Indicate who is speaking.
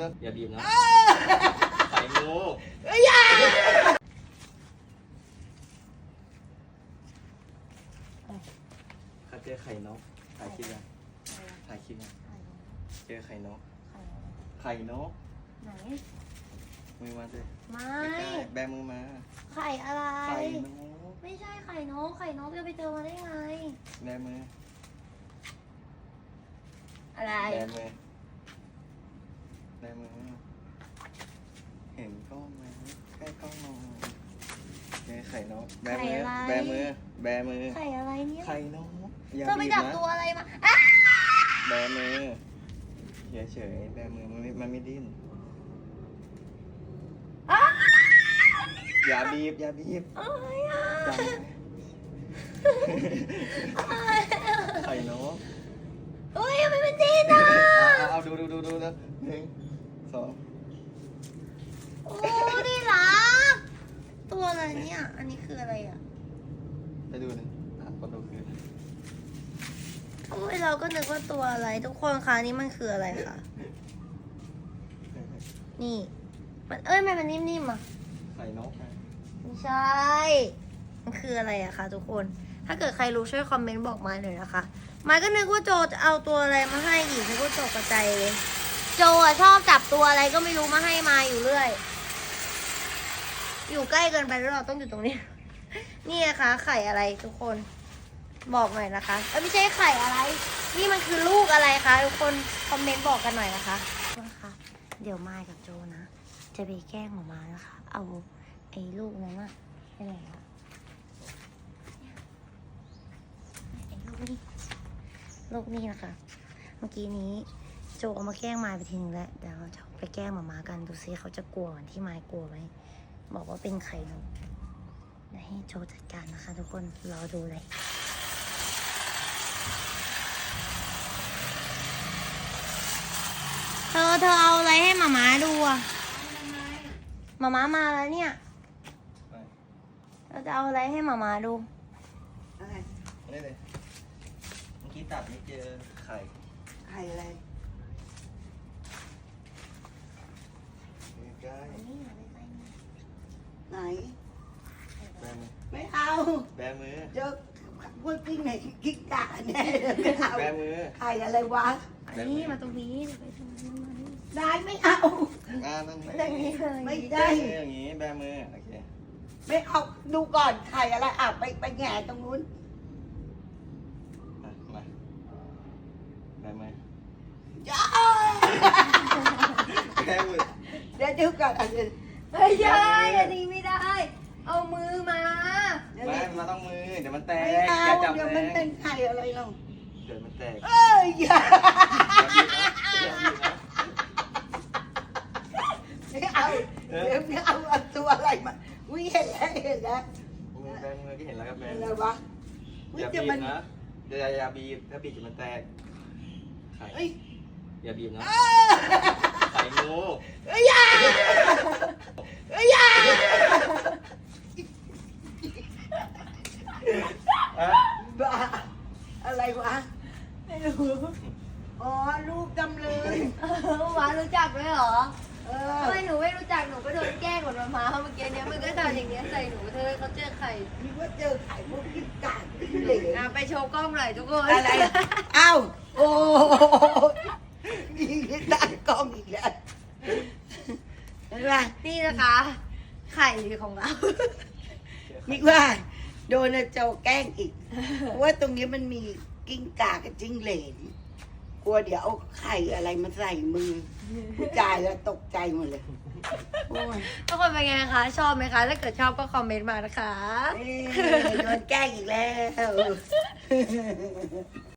Speaker 1: อย่าบีบนะไข่งูข้าเจอไข่นกถ่ายคลิปยังถ่ายคลิปยังเจอไข่นกไข่นก
Speaker 2: ไหน
Speaker 1: มือมาสิ
Speaker 2: ไม่
Speaker 1: แบมือมา
Speaker 2: ไข่อะไร
Speaker 1: ไข่นก
Speaker 2: ไม่ใช่ไข่นกจะไปเจอมาได้ไง
Speaker 1: แบมือ
Speaker 2: อะไร
Speaker 1: แบมือเห็นกล้องไหมใกล้กล้องมองเนี่ยไข่นกแบมือแบมือ
Speaker 2: ไข่อะไรเนี่ย
Speaker 1: ไข่นก
Speaker 2: เธอไปจับตัวอะไรมา
Speaker 1: แบมือเฉยแบมือมันไม่ดิ้นอย่าบีบ
Speaker 2: อะไรอ่ะ
Speaker 1: ไข่นก
Speaker 2: เฮ้ยมันเป็นจีนอ่ะ
Speaker 1: เอาดูนะ1 2
Speaker 2: โอ้ดีรักตัวอะไรเนี่ยอันนี้คืออะไรอ่ะ
Speaker 1: ไปดูนะคนดูคือ
Speaker 2: โอ้ยเราก็นึกว่าตัวอะไรทุกคนคะนี่มันคืออะไรคะนี่มันมันนิ่มๆอ่ะ
Speaker 1: ไข่นก
Speaker 2: ไม่ใช่มันคืออะไรอะคะทุกคนถ้าเกิดใครรู้ช่วยคอมเมนต์บอกมาหน่อยนะคะมาก็นึกว่าโจจะเอาตัวอะไรมาให้อีกนึกว่าโจกระจายเลยโจอะชอบจับตัวอะไรก็ไม่รู้มาให้มาอยู่เรื่อยอยู่ใกล้เกินไปแล้วเราต้องอยู่ตรงนี้นี่นะคะไข่อะไรทุกคนบอกหน่อยนะคะไม่ใช่ไข่อะไรนี่มันคือลูกอะไรคะทุกคนคอมเมนต์บอกกันหน่อยนะคะเดี๋ยวมายกับโจนะจะไปแกล้งหมอมานะคะเอาไอ้ลูกนั้นอะไปไหนอะไอ้ลูกนี่นะคะเมื่อกี้นี้โจเอามาแกล้งมายไปทีนึงแล้วเดี๋ยวเราจะไปแกล้งหมอมากันดูซิเขาจะกลัวเหมือนที่มายกลัวไหมบอกว่าเป็นไข่นกเดี๋ยวให้โจจัดการนะคะทุกคนรอดูเลยเธอเอาอะไรให้หมาดูอ่ะหมามาแล้วเนี่ยเราจะเอาอะไรให้หมาดู
Speaker 1: อะไรนี่เลยเมื่อกี้ตัดไม่เจอไข่
Speaker 3: อะไร
Speaker 1: ใกล้
Speaker 3: ไหน
Speaker 1: แบมือ
Speaker 3: ไม่เอา
Speaker 1: แบมือ
Speaker 3: เจอพวกกิ้งไหนกิ้งก่าแน่ไม่เอา
Speaker 1: แบมือ
Speaker 3: ไข่อะไรวะ
Speaker 2: นี่มาตรงนี้ไปตรงนี้
Speaker 3: ได้ไม่เอา
Speaker 1: นั่น
Speaker 3: ไม่ได้
Speaker 1: อย่างนี้แบมือโอเค
Speaker 3: ไม่เอาดูก่อนไข่อะไรไปแง่ตรงนู้น
Speaker 1: มาแบมือ
Speaker 3: จ้า
Speaker 1: แบมือ
Speaker 3: เดี๋ยวก่อน
Speaker 2: ไม่ใช่อันนี้ไม่ได้เอามือมา
Speaker 1: ไม่มาต้องมือเดี๋ยวมันแตก
Speaker 3: อย่าจับเดี๋ยวมันเป็นไข่อะไรเรา
Speaker 1: เดี๋ยวมันแตก
Speaker 3: อย่าไม่เอาเดี๋ยวไม่เอาตัวอะไรมาวิ่งเห็นแล้ว
Speaker 1: แบมือที่เห็นแล้วครับแบ
Speaker 3: อะไรวะ
Speaker 1: อย่าบีบนะอย่าบีบถ้าบีบจะมันแตกไข่อย่าบีบนะไข่งู
Speaker 3: อย่าบ้าอะไรวะไม่รู้อ๋อลูกจำเลย
Speaker 2: หวานรู้จักไหมเหรอทำไมหนูไม่รู้จักหนูก็โดนแกล้งกับมาเมื่อกี้เนี้ยมันก็ทำอย่างเงี้ยใส่หนูเธอเขาเจอไข่
Speaker 3: นี่ว่าเจอไข่พวกกินกาดเหลว
Speaker 2: ไปโชว์กล้องหน่อยทุกคน
Speaker 3: อะไรอ้าวโอ้ยิงตั้งกล้องอีกแล้วเห็นไหม
Speaker 2: นี่นะคะไข่ของเรา
Speaker 3: นี่ว่าโดนโจแกล้งอีกเพราะว่าตรงนี้มันมีกิ้งก่ากับจิ้งเหลนกลัวเดี๋ยวเอาไข่อะไรมาใส่มือผู้ชายแล้วตกใจหมดเลย
Speaker 2: ทุกคนเป็นไงคะชอบไหมคะถ้าเกิดชอบก็คอมเมนต์มานะคะ
Speaker 3: โดนแกล้งอีกแล้ว